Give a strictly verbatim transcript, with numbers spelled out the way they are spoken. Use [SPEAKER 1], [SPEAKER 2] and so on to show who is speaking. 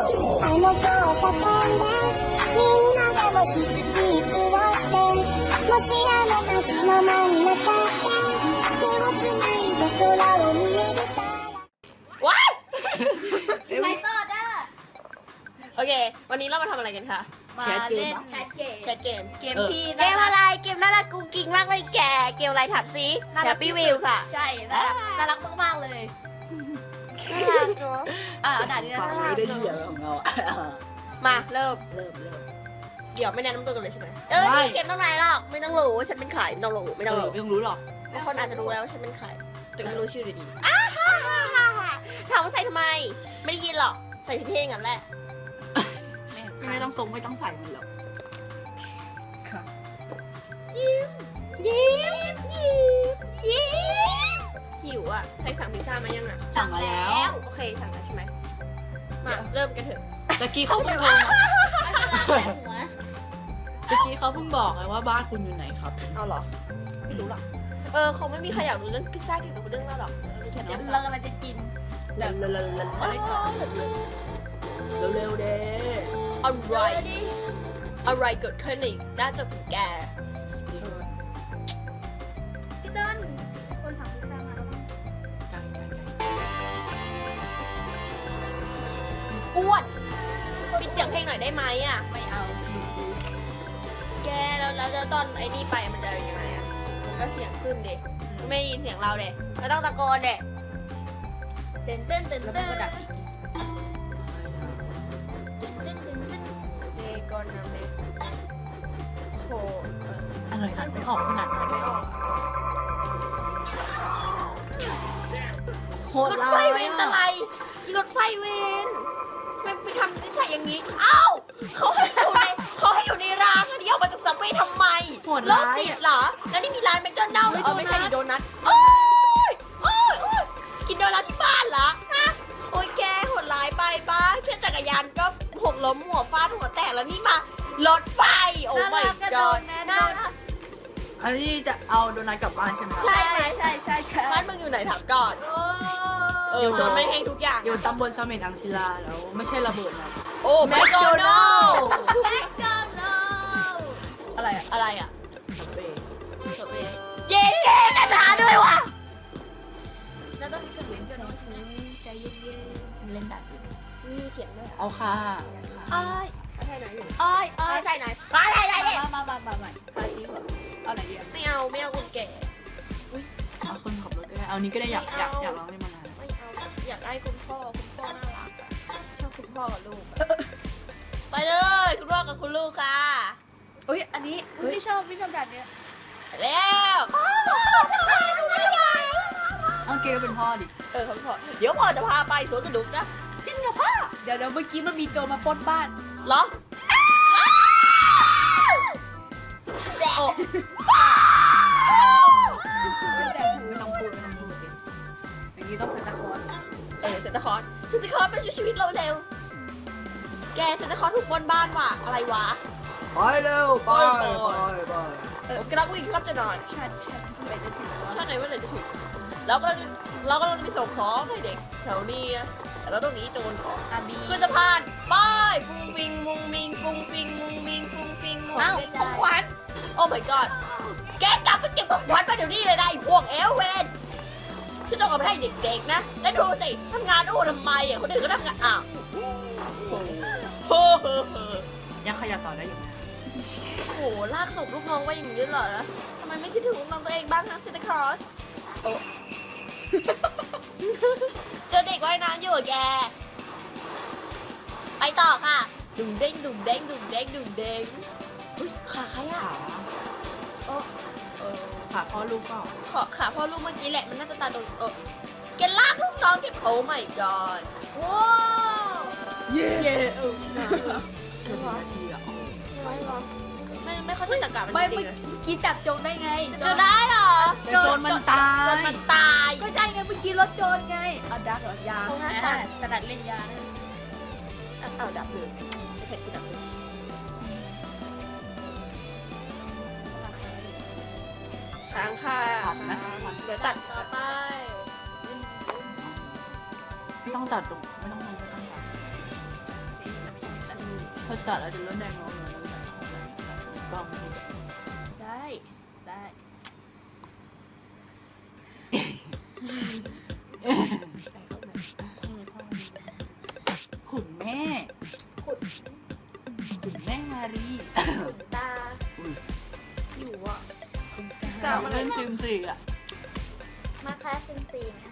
[SPEAKER 1] あの交差点でみんなでもしスキップをしてもしあの街の真ん中で手をつないで空を見上げたら
[SPEAKER 2] ว้าย
[SPEAKER 3] ไปต่อจ้า
[SPEAKER 2] โอเค วันนี้เรามาทำอะไรกันคะ
[SPEAKER 3] มาเล่นแคทเกม
[SPEAKER 2] แคทเกม
[SPEAKER 3] เกมที่
[SPEAKER 2] เกมอะไร เกมน่ารักกุ๊กกิ๊กมากเลยแก เกมอะไรถามซิแฮปปี้วิวค่ะ
[SPEAKER 3] ใช่น่ารักน่ารักมากๆเลย
[SPEAKER 2] น่ารักเนาะ
[SPEAKER 3] อ่าด่านนี้นะ
[SPEAKER 4] ฟัง
[SPEAKER 3] สำห
[SPEAKER 4] ไม่
[SPEAKER 3] รับ
[SPEAKER 4] ได้เหี้ยของเราอะ
[SPEAKER 2] มาเริ่ม
[SPEAKER 4] เริ่มเริ่ม
[SPEAKER 2] เดี๋ยวไม่แนะนำตัวกันเลยใช่ไหมเออ
[SPEAKER 4] ไม่
[SPEAKER 2] นี่เกมต้องไหนหรอก ไม่ต้องรู้ว่าฉันเป็นใครไม่ต้องรู้ไม่ต้องรู้
[SPEAKER 4] ไม่ต้องรู้หรอก
[SPEAKER 2] บางคนอาจจะรู้แล้วว่าฉันเป็นใคร แต่ไม่รู้ชื่อดีๆอ้าฮ่าฮ่าฮ่าฮ่าถามว่าใส่ทำไม ไม่ได้ยินหรอก ใส่เท่ๆงั้นแหละ
[SPEAKER 4] ไม่ต้องทรงไม่ต้องใส่มันหรอก
[SPEAKER 2] ยิ้มยิ้มยิ้มยิ้มหิวอ่ะ ใส่สั่งพิซซ่ามายังอ่ะ
[SPEAKER 4] สั่งมาแล้ว
[SPEAKER 2] โอเคสั่งแล้วใช่ไหม มาเริ่มกันเถอะ
[SPEAKER 4] ตะกี้เขาเพิ่งบอกตะกี้เขาเพิ่งบอกไงว่าบ้านคุณอยู่ไหนครับ
[SPEAKER 2] เอาเหรอ ไม่รู้หรอก เออคงไม่มีใครอยากรู้เรื่องพิซซ่าเกี่ยวกับเรื่องนั้นหรอกเออแค่
[SPEAKER 3] เดี๋
[SPEAKER 2] นั้
[SPEAKER 3] ยวน เรากำลังจะกิน
[SPEAKER 2] เร็วเร็วเร็วเร็ว
[SPEAKER 3] ขอเล่นก่อน
[SPEAKER 4] เร็วๆเด้
[SPEAKER 2] อะไรอะไรเกิดขึ้นในหน้าจอของแก
[SPEAKER 3] พี่เติ้ลคนสั่งพิซซ่ามาแล้วมั้ง
[SPEAKER 4] ไกลไกลไกล
[SPEAKER 2] อ้วนปิดเสียงเพลงหน่อยได้ไหมอ่ะ
[SPEAKER 3] ไม่เอา
[SPEAKER 2] แกแล้วแล้วแล้วตอนไอ้นี่ไปมันจะยังไงอ่ะมันก็เสียงขึ้นดิไม่ได้ยินเสียงเราเด็ไม่ต้องตะโกนเด็
[SPEAKER 3] เต้นเต้นเต้น
[SPEAKER 2] แล้ว
[SPEAKER 3] เต้
[SPEAKER 2] มัน
[SPEAKER 3] น
[SPEAKER 2] ก็ดับ
[SPEAKER 3] เต้นเต้นเต้นเต้น
[SPEAKER 2] เดกอนนะเมโห
[SPEAKER 4] อะไรอ่านไม่ออกขนาดนั้น
[SPEAKER 2] ไม่ออก
[SPEAKER 4] โห
[SPEAKER 2] ร
[SPEAKER 4] ด
[SPEAKER 2] ถ
[SPEAKER 4] ร้า
[SPEAKER 2] ไฟ
[SPEAKER 4] ย
[SPEAKER 2] เวนอะไรรถไฟเวนมันไปทำนิสัยอย่างนี้ เอ้าเขาให้อยู่ในเขาให้อยู่ในรางอันนี้ออกมาจากซับเวย์ทำไม
[SPEAKER 4] โหด
[SPEAKER 2] โร
[SPEAKER 4] ร้า
[SPEAKER 2] ค
[SPEAKER 4] ย
[SPEAKER 2] จิต
[SPEAKER 4] อะ
[SPEAKER 2] เหรอ แล้วนี่มีร้านแมคโดนัลด์
[SPEAKER 4] ไม่
[SPEAKER 2] เออไม่ใช่
[SPEAKER 4] โดนัท
[SPEAKER 2] ดิโดนัทโอ้ยโอ้ยโอ้ยกินโดนัทที่บ้านเหรอ ฮะ โอ้ยแกโหดร้ายไปป้าแค่จักรยานก็หกล้มหัวฟาดหัวแตกแล้วนี่มารถไฟ โอ้
[SPEAKER 3] น่า
[SPEAKER 2] my
[SPEAKER 3] รักกระโด
[SPEAKER 2] god
[SPEAKER 3] ดนะ
[SPEAKER 2] น่า
[SPEAKER 3] น่า
[SPEAKER 2] รั
[SPEAKER 3] รั
[SPEAKER 2] ก
[SPEAKER 3] ก
[SPEAKER 4] อันนี้จะเอาโดนัทกลับบ้านใช่ไหมครับ
[SPEAKER 2] ใช่
[SPEAKER 3] ใช่ใช่ใช่ใช่
[SPEAKER 2] บ้านมึงอยู่ไหนถามก่อน
[SPEAKER 3] โอ้
[SPEAKER 2] เออชนไม่แห้งทุกอย่าง
[SPEAKER 4] อยู่ตำบลเสม็ดอังศิลาแล้วไม่ใช่ระเบิดนะ
[SPEAKER 2] โอ้แมคโดนัลด์
[SPEAKER 3] แบ็คกราวน์
[SPEAKER 2] อะไรอะอะไรอะ
[SPEAKER 4] สเปรย์
[SPEAKER 2] เย้เย้กันหาด้วยว่ะ
[SPEAKER 3] แล้วต้องสมิงกันหน่อยใจเย็น
[SPEAKER 4] เล่นแบบนี้
[SPEAKER 2] มีเขียนด้วยอะ
[SPEAKER 4] เอาค่ะ
[SPEAKER 3] ๆอ้าย
[SPEAKER 2] ใช่ไหนอยู่
[SPEAKER 3] อ้ายอ้าย
[SPEAKER 2] ใช่ไหนมาใช่ไหนเนี่ย
[SPEAKER 3] มามามามามาคาซีก่อนเอาไหนดีอ่ะ
[SPEAKER 2] ไม่เอาไม่เอาคุณแก่
[SPEAKER 4] เอาคนขับรถก็ได้เอานี้ก็ได้อยากอยากอยากลองเล่นมานาน
[SPEAKER 2] ไม่เอาอยากได้คุณพ่อคุณพ่อน่ารักอะชอบคุณพ่อกับลูกอะไปเลย คุณพ่อกับคุณลูกค่ะ
[SPEAKER 3] อุ้ยอันนี้ไม่ชอบไม่ชอบด่านเนี้ย
[SPEAKER 2] ไปแล้วพ่อทำไมลูกไม่ได้
[SPEAKER 4] เอาเกลเป็นพ่อดิ
[SPEAKER 2] เออคุณพ่อเดี๋ยวพ่อจะพาไปสวนสนุกนะจริงเหรอพ่อ
[SPEAKER 3] เดี๋ยวเดี๋ยวเมื่อกี้มันมีโจรมาปล้นบ้าน
[SPEAKER 2] เหรอโอ้
[SPEAKER 3] แต่หู
[SPEAKER 4] ไม่ต้องพูดไม่ต้องพูดดิ
[SPEAKER 3] อย่างนี้ต้องใส่ตะคอน
[SPEAKER 2] เออเซนตาคอร์สเซนตาคอร์สเป็นชีวิตเราเร็วแกเซนตาคอร์สถูกปล้นบ้านว่ะอะไรวะ
[SPEAKER 4] ไปเร็วไปไปไป
[SPEAKER 2] เออกำลังวิ่งครับจะนอน
[SPEAKER 3] ชัดชัดไปจะถึงแล้ว
[SPEAKER 2] ชาติไหนว่าไหนจะถึงเราก็จะเราก็จะไปส่งของให้เด็กแถวนี้นะแต่เราต้องหนีโจรก่อน
[SPEAKER 3] อาบี
[SPEAKER 2] ขึ้นสะพานไป้ายฟุ้งฟิงมุงมิงฟุ้งฟิงมุงมิงฟุ้งฟิงมุง
[SPEAKER 3] อ้าว
[SPEAKER 2] มิง
[SPEAKER 3] ของขวัญ
[SPEAKER 2] โอ้ my god แกกลับไปเก็บของขวัญมาเดี๋ยวนี้เลยนะไอ้พวกเอลเวนฉันต้องเอาไปให้เด็กๆนะแล้วดูสิทำงานอู้ทำไมอ่ะคนอื่นก็ทำงานอ้าวโอ้โห
[SPEAKER 4] ยังขยับต่อได้อยู่นะ
[SPEAKER 2] โอ้โหลากศพลูกน้องไว้อย่างนี้เหรอทำไมไม่คิดถึงลูกน้องตัวเองบ้างนะซินตาครอสโอ้ เจอเด็กว่ายน้ำอยู่อะแก ไปต่อค่ะ ดุ่งเด้งดุ่งเด้งดุ่งเด้งดุ่งเด้งอุ้ยขาใครอะ
[SPEAKER 4] ขา
[SPEAKER 2] โอ้เออ
[SPEAKER 4] ขาพ่อลูกเปล่า
[SPEAKER 2] ขอขาพ่อลูกเมื่อกี้แหละมันน่าจะตาโดนเออแกลากลูกน้องแกโอ้ my god
[SPEAKER 3] ว้าว
[SPEAKER 2] เย้เย้เออ
[SPEAKER 4] เกือบนาทีอ่ะ
[SPEAKER 2] ไม่หรอไม่ไม่เข้าใจตะกามัน
[SPEAKER 3] ไม่
[SPEAKER 2] จริ
[SPEAKER 3] เมื่
[SPEAKER 2] ง
[SPEAKER 3] อ
[SPEAKER 2] ๆ
[SPEAKER 3] กี้จับโจรได้ไง
[SPEAKER 2] จะได้เหรอ
[SPEAKER 4] โจรมันตา
[SPEAKER 2] โจร
[SPEAKER 4] ย
[SPEAKER 2] มันตาย
[SPEAKER 3] ก็ใช่ไงเมื่อกี้รถโจรไงเอาดักเหรอยา
[SPEAKER 2] เอาหน้าฉัน
[SPEAKER 3] ถนัดเล่นยานะ
[SPEAKER 2] เอาดับเลยไม่เผ็ดกูดับเลยค้างค่ะ
[SPEAKER 4] ตัดไหม
[SPEAKER 2] เดี๋ยวตัด
[SPEAKER 3] ต่อไป
[SPEAKER 4] ไม่ต้องตัดตรงไม่ต้องไม่ต้องตัด
[SPEAKER 2] เซ
[SPEAKER 4] อตัดแล้วจะเริ่มแดงงงเลยกล้องนี่
[SPEAKER 2] ได้ได้ ใส่เข้าไปเออพ่อ
[SPEAKER 4] ขุนแม่
[SPEAKER 3] ขุด
[SPEAKER 4] ขุนแม่มารี
[SPEAKER 3] ขุดตา
[SPEAKER 4] อุ้ย
[SPEAKER 3] อยู่อ่ะ
[SPEAKER 4] สาวเล่นจิมสี่อ่ะ
[SPEAKER 3] มาแคสซินซีไหม